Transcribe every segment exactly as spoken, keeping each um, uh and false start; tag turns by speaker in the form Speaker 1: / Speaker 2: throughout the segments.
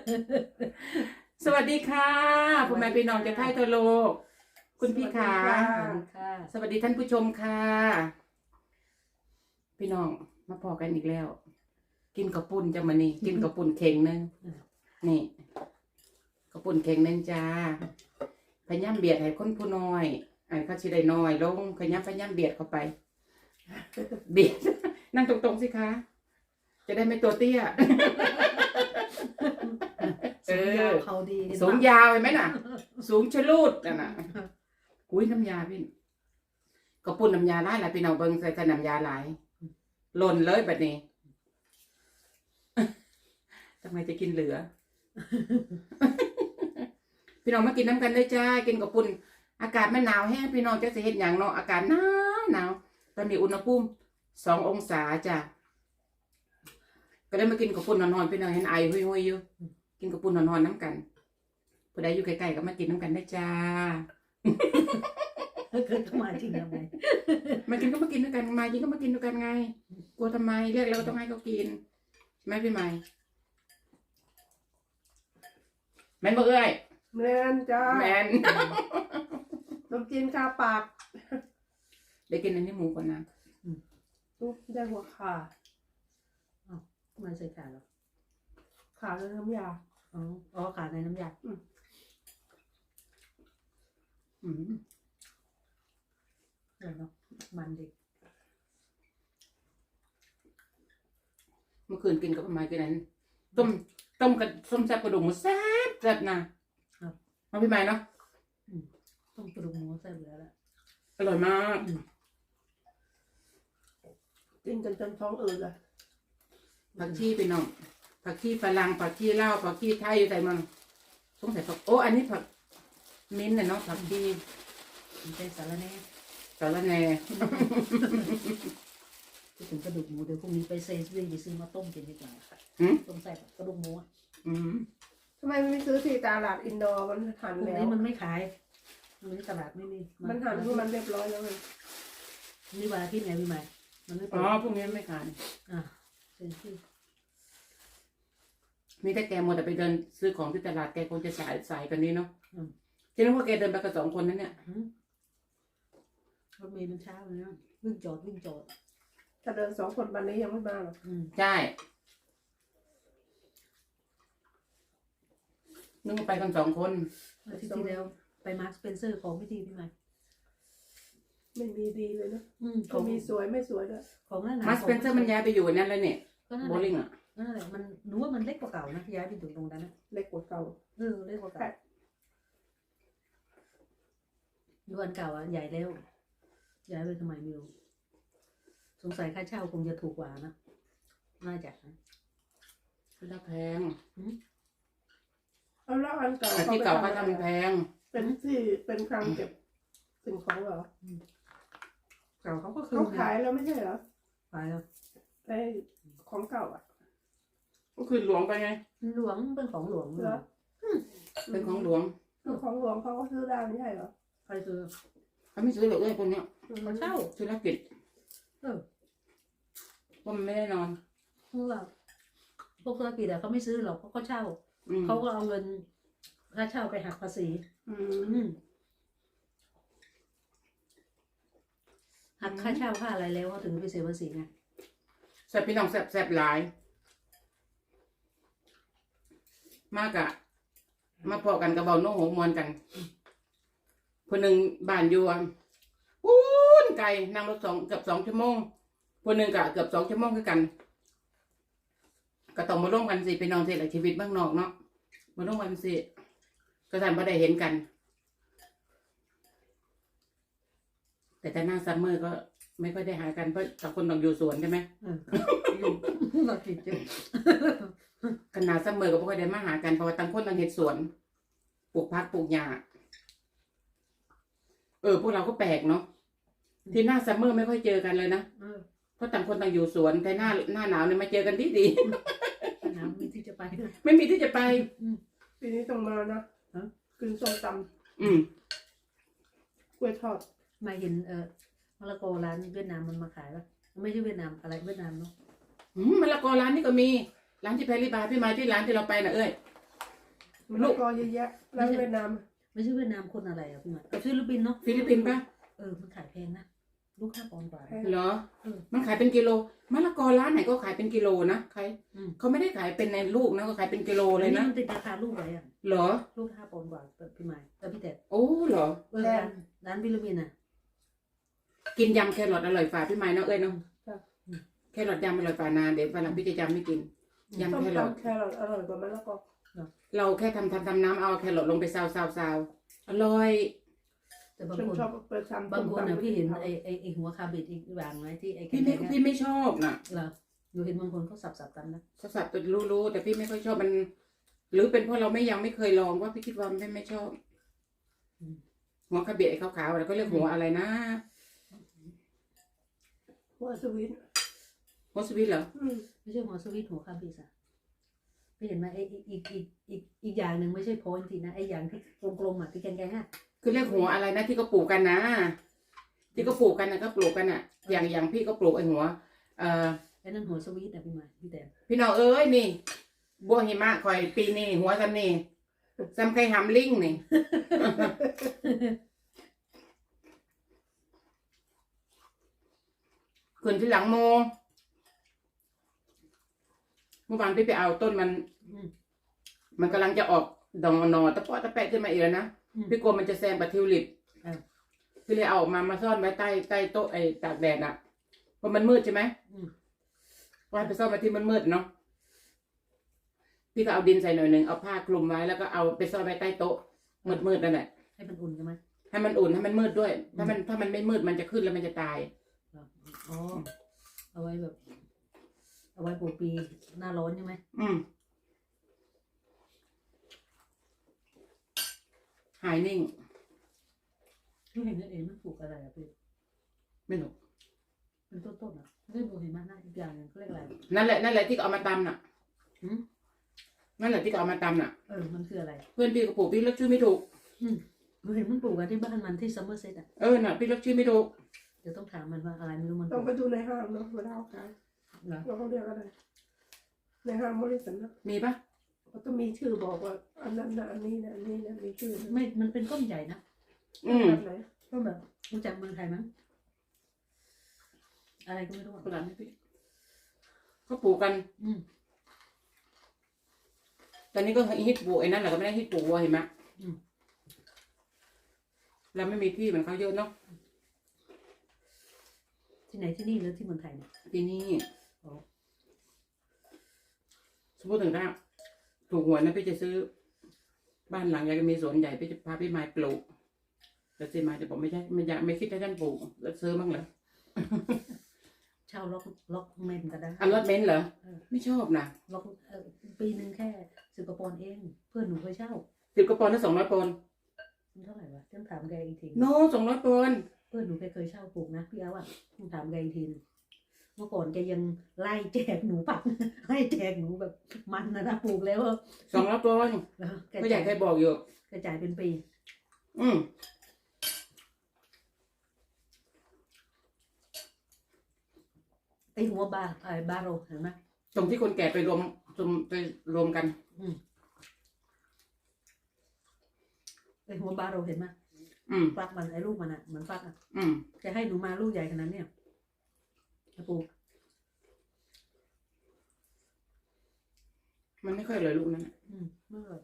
Speaker 1: สวัสดีค่ะพ่อแม่พี่น้องจะไทยทั่วโลกคุณพี่ขาสวัสดีท่านผู้ชมค่ะพี่น้องมาพอกันอีกแล้ว กินกระปุ่นจะมานี่กินกระปุ่นเข่งนึงนี่กระปุ่นเข่งนึงจ้าพยายามเบียดให้คนผู้น้อยไอ้เขาชิได้น้อยลงพยายามพยายามเบียดเข้าไปเบียดนั่งตรงๆสิคะจะได้ไม่ตัวเตี้ย
Speaker 2: สูงยาวเขาดี
Speaker 1: สูงยาวเห็นไหมน่ะสูงชะลูดน่ะนะอุ้ยน้ำยาพี่กระปุ่นน้ำยาหลายหลายพี่น้องเบิ้งใส่ใส่น้ำยาหลายหล่นเลยแบบนี้ทำไมจะกินเหลือ พี่น้องมากินน้ำกันเลยจ้ากินกระปุ่นอากาศมันหนาวแห้งพี่น้องจะเห็นอย่างเนาะอากาศหนาวหนาวตอนนี้อุณหภูมิสององศาจ้ะก็ได้มากินกระปุ่นนอนๆพี่น้องเห็นไอหุยๆอยู่กินกระปุ่นนอนๆน้ำกันผู้ใดอยู่ใกล้ๆก็มากินน้ำกันได้จ้า
Speaker 2: เกิดมาจริงทำไม
Speaker 1: มากินก็มากินด้วยกันมากินก็มากินด้วยกันไงกลัวทำไมเรียกเราต้องให้เขากินแม่พี่ใหม่แม่นบ่เอ้ย
Speaker 3: แมนจ้า
Speaker 1: แมน
Speaker 3: น้ำจีนคาปาก
Speaker 1: ได้กินอันนี้หมูก่อนนะ
Speaker 3: ตุ๊บได้หัวขา
Speaker 2: มาใส่ขาหรอ
Speaker 3: ขาในน้ำยา
Speaker 2: อ๋ออ๋อขาในน้ำยา
Speaker 1: อืมอืม
Speaker 2: เดี๋ยวเนาะมันดิ
Speaker 1: เมื่อคืนกินกับไม้กินนั้นต้มต้มกับส้มแซ่บกระดูกหมูแซ่บแซ่บนะมาพี่ใหม่เนาะ
Speaker 2: ต้มกระดูกหมูใส่เหลือแล้ว
Speaker 1: อร่อยมาก
Speaker 3: กินจนจนท้องอืดเลย
Speaker 1: ผักชีไปน้องผักชีฝรั่งผักชีลาวผักชีไทยอยู่ใส่มันสงสัยผักโอ้อันนี้ผักมิ้นท์น่ะเนาะผักชี
Speaker 2: เป็นสารแหน่
Speaker 1: สารแหน่
Speaker 2: พูดถึงกระดูกหมูเดี๋ยวพรุ่งนี้ไปเซซวิ่งไปซื้อมาต้มกินดีกว่าต้มใส่กระดูกหมู
Speaker 1: อืม
Speaker 3: ทำไมไม่ซื้อที่ตลาดอินดอร์มันหั่น
Speaker 2: พวก
Speaker 3: แล้ว
Speaker 2: นี้มันไม่ขายมันตลาดไม่มี
Speaker 3: มันหั่นที่มันเรียบร้อยแล้วมัน
Speaker 2: นี่วันอาทิตย์ไงพี่ใหม่มันไม่
Speaker 1: อ๋อพวกนี้ไม่ขาย
Speaker 2: อ่าเซซวิ่ง
Speaker 1: มีแต่แกมัวแต่ไปเดินซื้อของที่ตลาดแกคงจะสายสายกันนี้เนาะจริงๆว่าแกเดินไปกับสองคนนั้นเนี่ย
Speaker 2: รถเมล์มันเช้าเลยนะวิ่งจอดวิ่งจอด
Speaker 3: ถ้าเดินสองคนวันนี้ยังไม่มาหรอก
Speaker 1: ใช่นึกว่าไปกันสองคน
Speaker 2: อาทิตย์ที่แล้วไปมาร์คสเปนเซอร์ของไม่ดีพี่ใหม่
Speaker 3: ไม่มีดีเลยนะก็มีสวยไม่สวยด้วย
Speaker 2: ของนั่น
Speaker 1: มาร์คสเปนเซอร์มันย้ายไปอยู่นั่นแล้วเนี่ยโบลิ่งอ่ะ
Speaker 2: นั่นแหละมันหนูว่ามันเล็กกว่าเก่านะย้ายไปอยู่ตรงนั้นนะ
Speaker 3: เล็กกว่าเก่า
Speaker 2: เออเล็กกว่าเก่าอยู่อันเก่าอ่ะใหญ่แล้วย้ายไปทำไมไม่รู้สงสัยค่าเช่าคงจะถูกกว่านะน่าจะนะ
Speaker 1: คือถ้าแพง
Speaker 3: เอาแล้วอันเก่า
Speaker 1: ที่เก่าก็ทำแพง
Speaker 3: เป็นที่เป็นคลังเก็บสิ่งของเหรอ
Speaker 2: เก่าเขาก็คือ
Speaker 3: เขาขายแล้วไม่ใช่เหรอ
Speaker 2: ขายแล้ว
Speaker 3: ไอ้ของเก่าอ่ะ
Speaker 1: ก็คือหลวงไปไง
Speaker 2: หลวงเป็นของหลวง
Speaker 3: เหรอ
Speaker 1: เป็นของหลวง
Speaker 3: คือของหลวงเขาก็ซื้อได้ไม่ใช่เหรอ
Speaker 2: ใครซื้อ
Speaker 1: เขาไม่ซื้อหรอกเลยคนเนี้ย
Speaker 2: เขาเช่า
Speaker 1: ธุรกิจ
Speaker 2: เออ
Speaker 1: ว่ามันไม่ได้นอน
Speaker 2: เพราะว่าพวกธุรกิจอะเขาไม่ซื้อหรอกเพราะเขาเช่าเขาก็เอาเงินค่าเช่าไปหักภาษีหักค่าเช่าค่าอะไรแล้วเขาถึงไปเสียภาษีไง
Speaker 1: แซ่บพี่น้องแซ่บแซ่บหลายมากอะมาพอกันกระเบาโน้หัวมวนกันคนหนึ่งบ้านอยู่ปูนไกลนั่งรถสองเกือบสองชั่วโมงคนหนึ่งกะเกือบสองชั่วโมงคือกันก็ต้องมาร่วมกันสิไปนอนสิหลักชีวิตบ้างนอกเนาะมาร่วมกันสิก็ทันพอได้เห็นกันแต่ถ้าหน้าซัมเมอร์ก็ไม่ค่อยได้หากันเพราะต่างคนต่างอยู่สวนใช่ไหม
Speaker 2: เราติดจุด
Speaker 1: ขนาดซัมเมอร์ก็ไม่ค่อยได้มาหากันเพราะว่าต่างคนต่างเห็ดสวนปลูกพักปลูกหญ้าเออพวกเราก็แปลกเนาะที่หน้าซัมเมอร์ไม่ค่อยเจอกันเลยนะเพราะต่างคนต่างอยู่สวนแต่หน้าหน้าหนาวเนี่ยมาเจอกันที่ดี
Speaker 2: หนาวไม่ที่จะไป
Speaker 1: ไม่มีที่จะไป
Speaker 3: ปีนี้ต้องมานะกินส้มตำ
Speaker 1: อืม
Speaker 3: กล้วยทอด
Speaker 2: มาเห็นเออมะละกอร้านเวียดนามมันมาขายป่ะไม่ใช่เวียดนามอะไรเวียดนามเนาะ
Speaker 1: อืมมะละกอร้านนี้ก็มีร้านที่แพรรี่บาร์พี่มาที่ร้านที่เราไปน่ะเอ้ย
Speaker 3: มันลูกกอเยอะแยะแล้วเวียดนาม
Speaker 2: ไม่ใช่เวียดนามคนอะไรอ่ะพี่หมายเอาฟิลิปปินส์เนาะ
Speaker 1: ฟิลิปปินส์ปะ
Speaker 2: เออมันขายแพงนะลูกห้าปอนด์กว่า
Speaker 1: เหรอ
Speaker 2: เออ
Speaker 1: มันขายเป็นกิโลมะละกอร้านไหนก็ขายเป็นกิโลนะใคร
Speaker 2: อืม
Speaker 1: เขาไม่ได้ขายเป็นในลูกนะก็ขายเป็นกิโลเลยนะ
Speaker 2: มันติดราคาลูกไว้อ่ะ
Speaker 1: เหรอ
Speaker 2: ลูกห้าปอนด์กว่าพี่หมายแต่พี่แต่
Speaker 1: โอ้เหรอ
Speaker 2: เออร้านร้านฟิลิปปินส์อ่ะ
Speaker 1: กินยำแครอทอร่อยฝ่าพี่ไม้เนาะเอ้ยเนาะ
Speaker 3: ครับ
Speaker 1: แครอทยำอร่อยฝ่านานเดี๋ยววันหลังพี่จะยำไม่กิน ยำ
Speaker 3: ส้ม
Speaker 1: แครอท
Speaker 3: ตำแครอทอร่อยกว่ามะละกอ
Speaker 1: เราแค่ทำทำทำน้ำเอาแครอทลงไปซาวซาวซาวอร่อย
Speaker 2: แต่บาง
Speaker 3: ฉัน
Speaker 2: คน
Speaker 3: ชอบไปทำ
Speaker 2: บางคน
Speaker 3: ส้ม
Speaker 2: อ่ะ
Speaker 3: ตำ
Speaker 2: พี่เห็น
Speaker 3: กับ
Speaker 2: ไอ้ไอ้ไอ้หัวคาเบตอีกอย่างไหมที่ไอ้แก
Speaker 1: พี่ไม่
Speaker 2: งๆ
Speaker 1: พี่ไม่ชอบน่ะ
Speaker 2: เหรอหนูเห็นบางคนเขาสับๆกันนะ
Speaker 1: สับๆตัวรู้ๆแต่พี่ไม่ค่อยชอบมัน หรือเป็นเพราะเราไม่ยังไม่เคยลองว่าพี่คิดว่าไม่ไม่ชอบ หัวคาเบะไอ้ขาวๆแล้วก็เรียกหัวอะไรนะ
Speaker 3: หัวสวิต
Speaker 1: หัวสวิตเหรอ
Speaker 3: อืม
Speaker 2: ไม่ใช่หัวสวิตหัวคาเบตอ่ะพี่เห็นไหมไอ้อีกอีกอีกอีกอีกอย่างหนึ่งไม่ใช่โพนทีนะไอ้อย่างที่กลมๆอ่ะที่แกงๆอ่ะ
Speaker 1: คือเรียกหัวอะไรนะที่เขาปลูกกันนะ ที่เขาปลูกกันนะก็ปลูกกันอ่ะ อย่างอย่างพี่ก็ปลูกไอ้หัว เอ่อ
Speaker 2: ไอ้นั่นหัวสวีทอ่ะพี่หมายพี่แต่
Speaker 1: พี่น้องเอ้ยนี่บัวหิมะคอยปีนี้หัวซ้ำนี่ซ้ำไข่หำลิงนี่ ขึ้นที่หลังโมเมื่อวานพี่ไปเอาต้นมัน
Speaker 2: อืม
Speaker 1: มันกำลังจะออกดอกหนอตะเปาะตะแปะขึ้นมาอีกแล้วนะ
Speaker 2: อืม
Speaker 1: พี่กลัวมันจะแซงปะทิวลิป
Speaker 2: อ่า
Speaker 1: พี่เลยเอาออกมามาซ่อนไว้ใต้ใต้โต๊ะไอ้ตากแดดอ่ะเพราะมันมืดใช่ไหม
Speaker 2: อืม
Speaker 1: ไว้ไปซ่อนไว้ที่มันมืดๆเนาะพี่ก็เอาดินใส่หน่อยหนึ่งเอาผ้าคลุมไว้แล้วก็เอาไปซ่อนไว้ใต้โต๊ะมืดๆนั่นแหละ
Speaker 2: ให้มันอุ่นใช่ไหม
Speaker 1: ให้มันอุ่นให้มันมืดด้วย ถ้ามันถ้ามันไม่มืดมันจะขึ้นแล้วมันจะตาย
Speaker 2: อ๋อเอาไว้แบบ เอาไว้ปลูกปีหน้าร้อนใช่ไหม
Speaker 1: อืมหายนิ่ง
Speaker 2: พี่เห็นนั่นเองมันปลูกอะไรอ่ะพี่
Speaker 1: ไม่รู้
Speaker 2: เป็นต้นๆอ่ะไม่ปลูกเห็นไหมหน้าอีกอย่างหนึงเขาเรียกอะไร
Speaker 1: นั่นแหละนั่นแหละที่เอามาตำน่ะ
Speaker 2: หืม
Speaker 1: นั่นแหละที่เอามาตำน่ะ
Speaker 2: เออมันคืออะไร
Speaker 1: เพื่อนพี่ก็ปลูกพี่เลือกชื่อไม่ถูก
Speaker 2: อืมหนูเห็นมันปลูกกันที่บ้านมันที่ซัมเมอร์เซตอ่ะ
Speaker 1: เออน่ะพี่เลือกชื่อไม่ถูก
Speaker 2: เดี๋ยวต้องถามมันว่าอะไรไม่รู้มันป
Speaker 3: ต้อ
Speaker 2: ลู
Speaker 3: ง
Speaker 2: ก
Speaker 3: ไปดูในห้างเนาะเวลาเขาขาย
Speaker 2: เหรอ
Speaker 3: ว่าเขาเรียกอะไรในห้างบริษัทนะ
Speaker 1: มีปะ
Speaker 3: เขาต้องมีชื่อบอกว่าอันนั้นนะอันนี้นะอันนี้นะมีชื่อนะ
Speaker 2: ไม่มันเป็นต้นใหญ่นะ
Speaker 1: อืม
Speaker 3: แบบไหน
Speaker 2: ต้นแบบรู้จักเมืองไทยมั้งอะไรก็ไม่รู้อะ
Speaker 1: กระดาษให้พี่เขาปลูกกัน
Speaker 2: อืม
Speaker 1: ตอนนี้ก็ฮิตปลูกไอ้นั่นแหละก็ไม่ได้ฮิตปลูกวัวเห็นไหม
Speaker 2: อืม
Speaker 1: เราไม่มีที่เหมือนเขาเยอะเนาะ
Speaker 2: ที่ไหนที่นี่หรือที่เมืองไทยเนี่ย
Speaker 1: ที่นี่
Speaker 2: อ๋อ
Speaker 1: สมมติถึงถ้าถูกหวยนะพี่จะซื้อ บ้านหลังใหญ่ก็มีสวนใหญ่พี่จะพาพี่ไม้ปลูกแต่ซีไม้จะบอกไม่ใช่ไม่อยากไม่คิดให้ท่านปลูกแล้วซื้อบ้างเหรอ
Speaker 2: เช่าล็อกล็อกเมนก็ได้
Speaker 1: อันรถเบนซ์เหรอ
Speaker 2: เออ
Speaker 1: ไม่ชอบนะ
Speaker 2: ล็อกเออปีหนึ่งแค่สิบกว่าปอนด์เอง เพื่อนหนูเคยเช่า
Speaker 1: สิบกว่าปอนด์ถ้าสองร้อยปอนด์
Speaker 2: มันเท่าไหร่วะต้องถามแกอีกที
Speaker 1: โน้สองร้อยปอนด์
Speaker 2: เพื่อนหนูแกเคยเช่าปลูกนะพี่เอาอ่ะต้องถามแกอีกทีนึงเมื่อก่อนแกยังไล่แจกหนูปัก ให้แจกหนูแบบมันนะนะปลูกแล้วอะ
Speaker 1: สองร้อยปอนด์
Speaker 2: แล้วแก
Speaker 1: ก็อยา
Speaker 2: จ่าก ย
Speaker 1: ให้บอกอยู่
Speaker 2: แกจ่ายเป็นปี
Speaker 1: อืม
Speaker 2: ไอหัวบาไอบาโรเห็นไหม
Speaker 1: ตรงที่คนแก่ไปรวมรวมไปรวมกัน
Speaker 2: ไอหัวบาโรเห็นไหม
Speaker 1: อืม
Speaker 2: ฟักมันไอลูกมันอ่ะเหมือนฟักอ่ะ
Speaker 1: อืม
Speaker 2: แกให้หนูมาลูกใหญ่ขนาดเนี้ยจะปลูก
Speaker 1: มันไม่ค่อยอร่อยลูกนั้นน่ะ
Speaker 2: อืมไม่อร่อย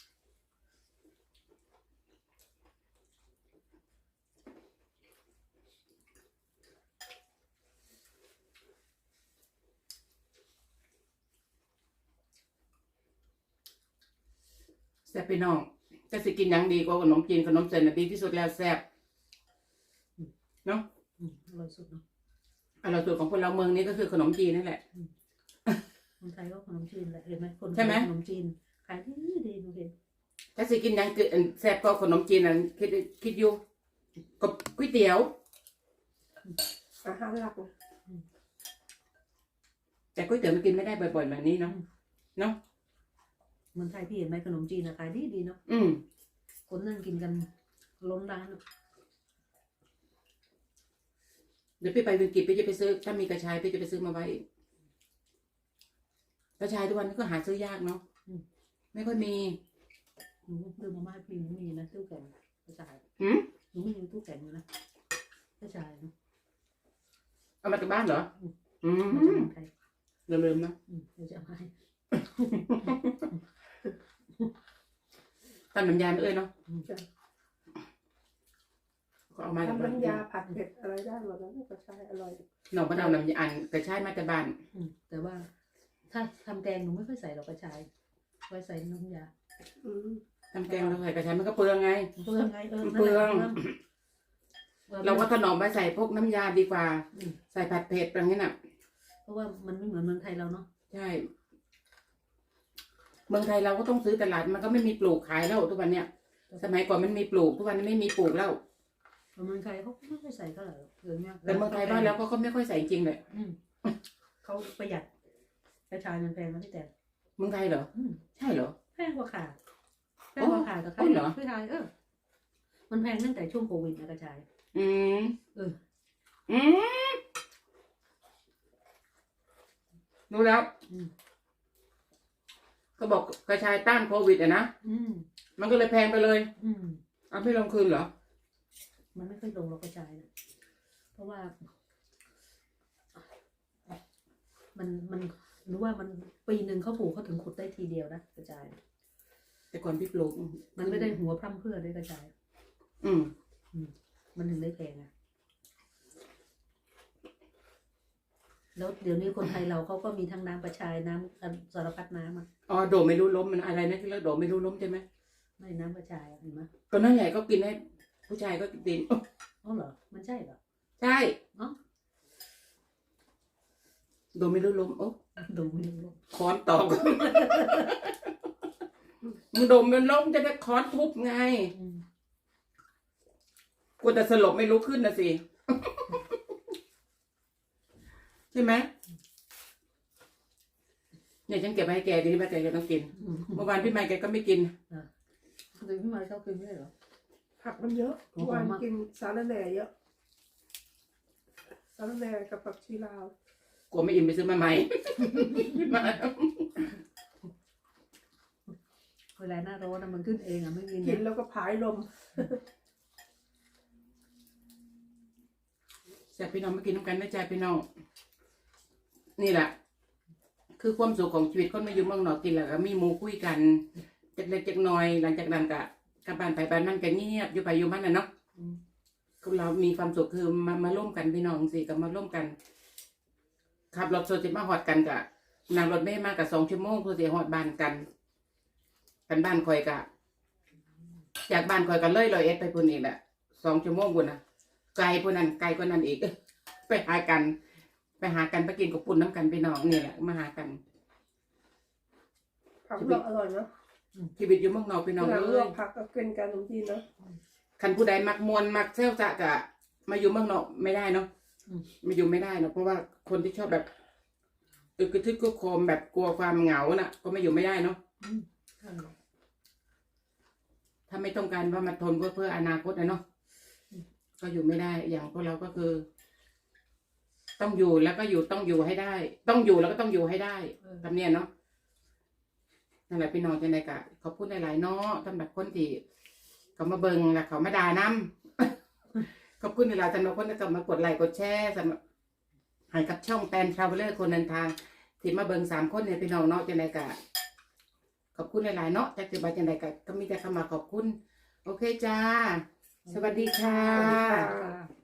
Speaker 1: แซ่บพี่น้องจะสิกินหยังดีกว่าขนมจีนขนมเส้นน่ะดีที่สุดแล้วแซ่บเนาะ
Speaker 2: อืมอร่อยสุดเนาะ
Speaker 1: อร่อยสุดของคนเราเมืองนี้ก็คือขนมจีนนั่นแหละ
Speaker 2: คนไทยก็ขนมจีนแหละเห็นไหมคน
Speaker 1: ใช่ไหม
Speaker 2: ขนมจีนขายดีดีหนูเห็น
Speaker 1: ถ้าสิกินหยังคืออันแซ่บก็ขนมจีนนั่นคิดคิดอยู่กับก๋วยเตี๋ยว
Speaker 3: อาหารหลักนะ
Speaker 1: แต่ก๋วยเตี๋ยวมันกินไม่ได้บ่อยๆแบบนี้เนาะเนาะ
Speaker 2: เมืองไทยพี่เห็นไหมขนมจีนอะขายดีดีเนาะ
Speaker 1: อืม
Speaker 2: คนนั่งกินกันล้นร้านอะ
Speaker 1: เดี๋ยวพี่ไปวินกิจพี่จะไปซื้อถ้ามีกระชายพี่จะไปซื้อมาไว้กระชายทุกวันนี้ก็หาซื้อยากเนาะไม่ค่อยมี
Speaker 2: หนูดื่มมาม่าพี่หนูมีนะตู้แข็งกระชาย
Speaker 1: หืม
Speaker 2: หนูไม่มีตู้แข็งอยู่นะกระชายนะ
Speaker 1: เอามาจากบ้านเหรอ อื
Speaker 2: มาจาก
Speaker 1: ม
Speaker 2: เมืองไทย
Speaker 1: ลืมๆนะ
Speaker 2: อืมเดี๋ยวจะเอามาให้
Speaker 1: ทำน้ำยาไม่เอ้ยเนาะ
Speaker 3: จ้ะ
Speaker 1: ก็เอามาจาก
Speaker 3: ทำ
Speaker 1: บ้าน
Speaker 3: น้ำยาผัดเผ็ดอะไรได้หมดแล้วก็ใช้อร่อย
Speaker 1: หนองมะนาวน้ำยาอันกระชายมาจากบ้าน
Speaker 2: อืมแต่ว่า ถ้าทำแกงหนูไม่ค่อยใส่หรอกกระชายไว้ใส่น้ำยา
Speaker 3: อืม
Speaker 1: ทำแกงเราใส่กระชายมันก็เปลืองไง
Speaker 2: เปลืองไงเออ
Speaker 1: เปลือง
Speaker 2: นั่นแหละปลือง
Speaker 1: เราก็ถนอมไปใส่พวกน้ำยาดีกว่า
Speaker 2: อืม
Speaker 1: ใส่ผัดเผ็ดอย่างนี้น่ะ
Speaker 2: เพราะว่ามันไม่เหมือนเมืองไทยเราเนาะ
Speaker 1: ใช่ เมืองไทยเราก็ต้องซื้อตลาดมันก็ไม่มีปลูกขายแล้วทุกวันเนี้ย สมัยก่อนมันมีปลูกทุกวันนี้ไม่มีปลูกแล้ว
Speaker 2: เมืองไทยเขาไม่ค่อยใส่เท่าไหร่หรอกเดี๋ยวนี้
Speaker 1: แต่เมืองไทยบ้านเราก็เขาไม่ค่อยใส่จริงเลย
Speaker 2: อืมเขาประหยัดกระชายมันแพงนะพี่แต่
Speaker 1: เมืองไทยเหรอ
Speaker 2: อืม
Speaker 1: ใช่เหรอ
Speaker 2: แพงกว่าขาแพงกว่าขากับ
Speaker 1: อ๋อเหรอ
Speaker 2: พี่ไทยเออ มันแพงตั้งแต่ช่วงโควิดนะกระชาย
Speaker 1: อืม
Speaker 2: เออ
Speaker 1: อืมรู้แล้ว
Speaker 2: อืม
Speaker 1: ก็บอกกระชายต้านโควิดอะนะ
Speaker 2: อืม
Speaker 1: มันก็เลยแพงไปเลย
Speaker 2: อืม
Speaker 1: เอาไม่ลงคืนเหรอ
Speaker 2: มันไม่ค่อยลงหรอกกระชายนะเพราะว่า มันมันรู้ว่ามันปีหนึ่งเขาปลูกเขาถึงขุดได้ทีเดียวนะกระชาย
Speaker 1: แต่ก่อนพี่ปลูก
Speaker 2: มันไม่ได้หัวพร่ำเพรื่อด้วยกระชาย
Speaker 1: อืม
Speaker 2: มันถึงได้แพงอะแล้วเดี๋ยวนี้คนไทยเราเขาก็มีทั้งน้ำกระชายน้ำอันสารพัดน้ำอ่ะ
Speaker 1: อ๋อโดดไม่รู้ล้มมันอะไรนะที่เรียกโดดไม่รู้ล้มใช่ไหม
Speaker 2: ไม่น้ำกระชายอะเห็นไหม
Speaker 1: ก็นั่นแหละก็กินให้ผู้ชายก็กินโอ๊ะ
Speaker 2: อ๋อเหรอมันใช่เหรอ
Speaker 1: ใช่
Speaker 2: อ๋อ
Speaker 1: โดดไม่รู้ล้มโอ้
Speaker 2: ดูไม่รู้
Speaker 1: ค้อนตอก มึงโดดมันล้มจะได้ค้อนทุบไง
Speaker 2: อืม
Speaker 1: กูแต่สลบไม่รู้ขึ้นนะสิ ใช่ไหมเนี่ยฉันเก็บไว้ให้แกดีว่าแกจะต้องกิน
Speaker 2: อืม
Speaker 1: เมื่อวานพี่ไมค์แกก็ไม่กิน
Speaker 2: เดี๋ยวพี่มาชอบกินไม่ได้เหรอ
Speaker 3: ผักมันเยอะ
Speaker 2: โอ้โห
Speaker 3: วัน
Speaker 2: มาก
Speaker 3: กินสาระแหน่เยอะสาระแหน่กับผักชีลาว
Speaker 1: กลัวไม่อิ่มไปซื้อมาใหม่
Speaker 2: เวลาหน้าร้อนนะมันขึ้นเองอ่ะไม่กิน
Speaker 3: กิน
Speaker 2: นะ
Speaker 3: แล้วก็ผายลม
Speaker 1: แซ่บพี่น้องมากินน้ำกันนะจ๊ะพี่น้อง นี่แหละ คือความสุขของชีวิตคนมาอยู่เมืองนอกกินแล้วก็มีหมูคุยกันจักเล็กจักน้อย หลังจากนั้นก็กลับบ้านไปบ้านมันก็เงียบอยู่ไปอยู่มันน่ะเนาะ
Speaker 2: อืม
Speaker 1: คือเรามีความสุขคือมามาร่วมกันพี่น้องสิก็มาร่วมกันขับรถโซจิมาหอดกันกะนั่งรถไม่มากกับสองชั่วโมงเพื่อจะหอดบ้านกันกันบ้านคอยกะจากบ้านคอยกันเลยลอยเอ็ดไปพุ่นอีกแหละสองชั่วโมงพุ่นนะไกลพุ่นนั้นไกลกว่านั้นอีก ไปหากัน ไปหากันไปกินกับปุ่นน้ำกันพี่น้องนี่แหละมาหากัน
Speaker 3: ผักลวกอร่อยเนาะ
Speaker 1: ชีวิตอยู่เมืองนอกพี่น้อง
Speaker 3: หลัง
Speaker 1: เล
Speaker 3: ลวย กผักก็กินกันบางทีเนาะ
Speaker 1: คันผู้ใดมักมวนมักเซลจะกะมาอยู่เมืองนอกไม่ได้เนาะมาอยู่ไม่ได้เนาะเพราะว่าคนที่ชอบแบบอึกระทึกกระโคมแบบกลัวความเหงาน่ะ ก็มาอยู่ไม่ได้เนาะ
Speaker 2: อืมใช่
Speaker 1: ถ้าไม่ต้องการว่ามาทนเพื่อเพื่ออนาคตนะเนาะก็อยู่ไม่ได้ อย่างพวกเราก็คือ ต้องอยู่แล้วก็อยู่ต้องอยู่ให้ได้ ต้องอยู่แล้วก็ต้องอยู่ให้ได้
Speaker 2: เออ
Speaker 1: ทำเนียนเนาะนั่นแหละพี่น้องจังไดกะเขาพูดหลายๆเนาะสำหรับคนที่เขามาเบิงแล้วเขามาด่าน้ำ ขอบคุณหลายๆสำหรับคนที่เขามากดไลค์กดแชร์สำหรับให้กับช่องแตนทราเวลเลอร์คนเดินทาง ที่มาเบิงสามคนเนี่ยพี่น้องเนาะจังไดกะขอบคุณหลายๆเนาะจากที่บาจังไดกะก็มีแต่คำมาขอบคุณ โอเคจ้า สวัสดีค่ะ
Speaker 3: สวัสดีค่ะ
Speaker 2: ค่ะ